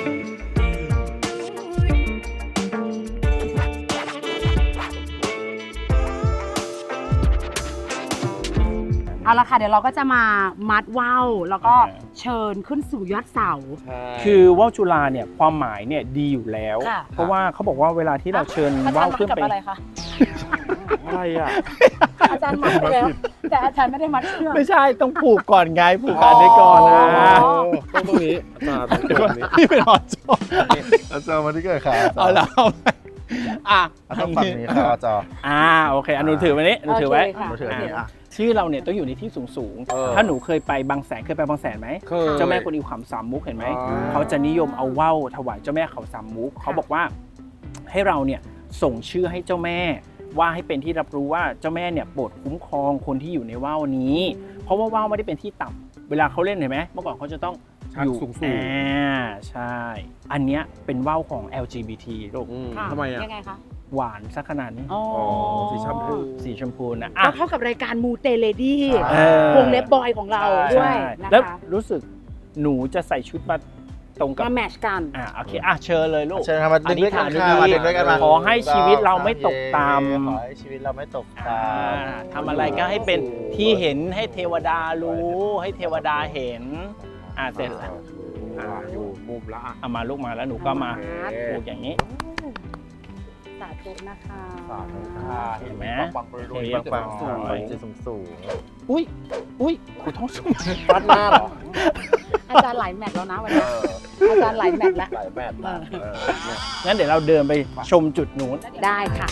S1: เอาละค่ะเดี๋ยวเราก็จะมามัดว่าวแล้วก็เชิญขึ้นสู่ยอดเสา
S4: คือว่าวจุฬาเนี่ยความหมายเนี่ยดีอยู่แล้ว
S1: ค่ะ
S4: เพราะว่าเขาบอกว่าเวลาที่เราเชิญว่าวขึ้นไป
S1: อะไรคะ
S3: อะไรอ่ะ
S1: อาจารย์มัดไปแล้วแต่อาจารย์ไม่ได้มัดเชือก
S4: ไม่ใช่ต้องผูกก่อนไงผูกกันได้ก่อนนะ
S3: ต้องตรงนี้อาจารย์ตรงนี้
S4: พี่เป็นออจอ
S2: อาจารย์มาที่เกิดค่ะ
S4: เอาแล้วอ่ะ
S2: ต้องฝั่งนี้ค่ะอาจารย์
S4: โอเคหนูถือไว้นี้หนูถือไว้
S1: โอเคค่ะ
S2: มาถืออันนี้อ่ะ
S4: ชื่อเราเนี่ยต้องอยู่ในที่สูง
S3: เออ
S4: ถ้าหนูเคยไปบางแสนเคยไปบางแสนไหม
S3: เคย
S4: เจ้าแม่กวนอิมขำสามมุกเห็นไหม
S3: อ๋อ
S4: เขาจะนิยมเอาว่าวถวายเจ้าแม่เขาสามมุกเขาบอกว่าให้เราเนี่ยส่งชื่อให้เจ้าแม่ว่าให้เป็นที่รับรู้ว่าเจ้าแม่เนี่ยโปรดคุ้มครองคนที่อยู่ในว่าวนี้ เพราะว่าว่าวไม่ได้เป็นที่ต่ำเวลาเขาเล่นเห็นไหมเมื่อก่อนเขาจะต้องอยู่
S3: สูง
S4: ใช่ อันเนี้ยเป็นว่าวของ LGBT ลูก
S1: ค่ะ
S3: ทำไมอ่ะ
S1: ยังไงคะ
S4: หวานสักขนาดนี้
S1: อ๋อ
S3: สีชมพู
S4: สีชมพูนะ
S1: ก็เข้ากับรายการมูเตเลดี้
S4: เออ
S1: วงเล็บบอยของเราด้วย
S4: ใช่
S1: นะ
S4: แล้ว
S1: คะ
S4: รู้สึกหนูจะใส่ชุดมาตรงกับ
S1: มาแมทชกัน
S4: โอเคเชิญเลยลูก
S2: เชิญครับมาดึงด้วยกัน
S4: อธิษ
S2: ค่ะ
S4: ฐาน
S2: มาดึงด้วยกันมา
S4: ขอให้ชีวิตเราไม่ตกต่ำ
S2: ขอให้ชีวิตเราไม่ตกต่ำ
S4: ทำอะไรก็ให้เป็นที่เห็นให้เทวดารู้ ให้เทวดาเห็นเสร็จแล้ว
S3: อยู่มุมละอ่ะ
S4: เอามาลูกมาแล้วหนูก็มาผูกอย่างนี้
S1: สาธุนะคะ
S2: สาธุค่ะ
S4: เห็นไหม
S2: ปังๆรวยๆปังๆสูงจะสูง
S4: อุ้ยขูท้องสูง
S3: ฟัดหน้าเหรอ
S1: อาจารย์หลายแมทแล้วนะวันนี้อาจารย์หลายแมทแล้ว
S3: หลายแบบมาก
S4: งั้นเดี๋ยวเราเดินไปชมจุดนู้น
S1: ได้ค่ะ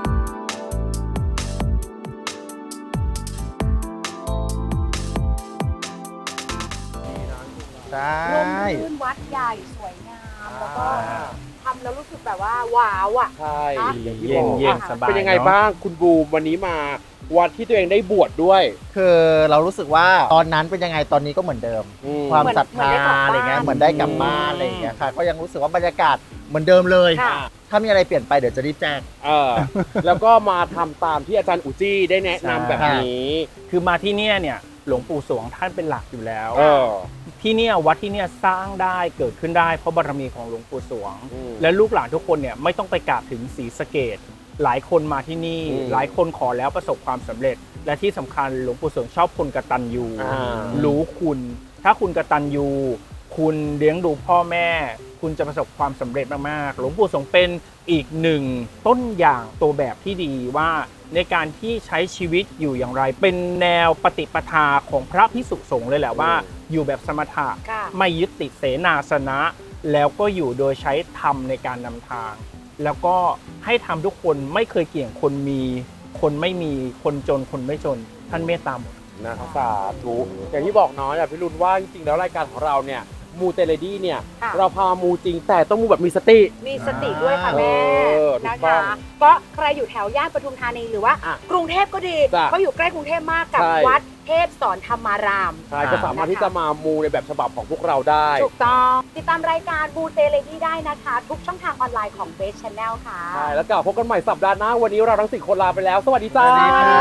S2: ใช่
S1: ร่มรื่นวัดใหญ่สวยงาม แล้วก็ทำแล้วรู้สึกแบบว่าว้าวอ่ะ
S3: ใช่
S1: อย่างที่
S4: เย็น
S1: บอก
S4: เย็นสบาย
S3: เป็นยังไง
S4: เนอะ
S3: บ้างคุณบูมวันนี้มาวัดที่ตัวเองได้บวชด้วย
S2: คือเรารู้สึกว่าตอนนั้นเป็นยังไงตอนนี้ก็เหมือนเดิม ความศรัทธาอะไรเงี้ยเหมือนได้กลับบ้านอะไรอย่างเงี้ยค่ะก็ยังรู้สึกว่าบรรยากาศเหมือนเดิมเลย
S1: ค่ะ
S2: ถ้ามีอะไรเปลี่ยนไปเดี๋ยวจะรีบแจ้ง
S3: แล้วก็มาทำตามที่อาจารย์อุจี้ได้แนะนำแบบนี้
S4: คือมาที่เนี่ยหลวงปู่สวงท่านเป็นหลักอยู่แล้ว
S3: เออ
S4: ที่เนี่ยวัดที่เนี่ยสร้างได้เกิดขึ้นได้เพราะบารมีของหลวงปู่สวง
S3: อืม
S4: และลูกหลานทุกคนเนี่ยไม่ต้องไปกราบถึงศรีสะเกษหลายคนมาที่นี่
S3: อืม
S4: หลายคนขอแล้วประสบความสำเร็จ และที่สำคัญหลวงปู่สวงชอบคนกตัญญู รู้คุณ ถ้าคุณกตัญญูคุณเลี้ยงดูพ่อแม่ คุณจะประสบความสำเร็จมากๆหลวงปู่สวงเป็นอีกหนึ่งต้นอย่างตัวแบบที่ดีว่าในการที่ใช้ชีวิตอยู่อย่างไร เป็นแนวปฏิปทาของพระภิกษุสงฆ์เลยแหละว่า อยู่แบบสมถะ
S1: ค่ะ
S4: ไม่ยึดติดเสนาสนะ แล้วก็อยู่โดยใช้ธรรมในการนำทาง แล้วก็ให้ทำทุกคนไม่เคยเกี่ยงคนมี คนไม่มีคนจนคนไม่จนท่านเมตตาหมด
S3: นะครับสาธุอย่างที่บอกน้อยพี่รุนว่าจริงๆแล้วรายการของเราเนี่ยมูเตเลดี้เนี่ย
S1: ค่ะ
S3: เราพามูจริงแต่ต้องมูแบบมีสติ
S1: มีสติด้วยค่ะแม่
S3: ถู
S1: นะ
S3: กต้อ
S1: คะ
S3: ง
S1: ก็ใครอยู่แถวย่านปทุมธานีหรือว่า
S3: อ่ะ
S1: กรุงเทพก็ดี
S3: จ้ะ
S1: ก็อยู่ใกล้กรุงเทพมากกับ
S3: ใช่
S1: วัดเทพสอนธรรมาราม
S3: ใช่ก็สามารถที่จะมามูในแบบฉบับของพวกเราได้
S1: ถูกต้อง ติดตามรายการบูเตเลดี้ได้นะคะ ทุกช่องทางออนไลน์ของเบสช n แนลค่ะ
S3: ใช่แล้วกลับพบกันใหม่สัปดาห์หน้าวันนี้เราทั้ง4คนลาไปแล้ว สวัสดีจ้า
S2: สวัสดีค่ะ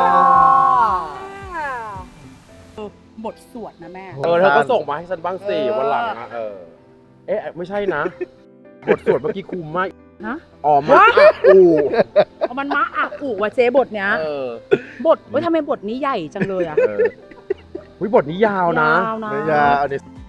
S1: บทสวดนะแม่
S3: เธอก็ส่งมาให้ฉันบ้างสิวันหลังนะเอ๊ะไม่ใช่นะ บทสวดเมื่อกี้คุมมาก
S1: ฮะ
S3: อ๋อมาอู
S1: เอามันมาอ่ะอู่ว่ะเจ๊บทเนี้ย
S3: เออ
S1: บทเว้ยทำไมบทนี้ใหญ่จังเลยอ่ะ
S3: เออบทนี้ยาวนะ
S2: ไม่ยากอันนี้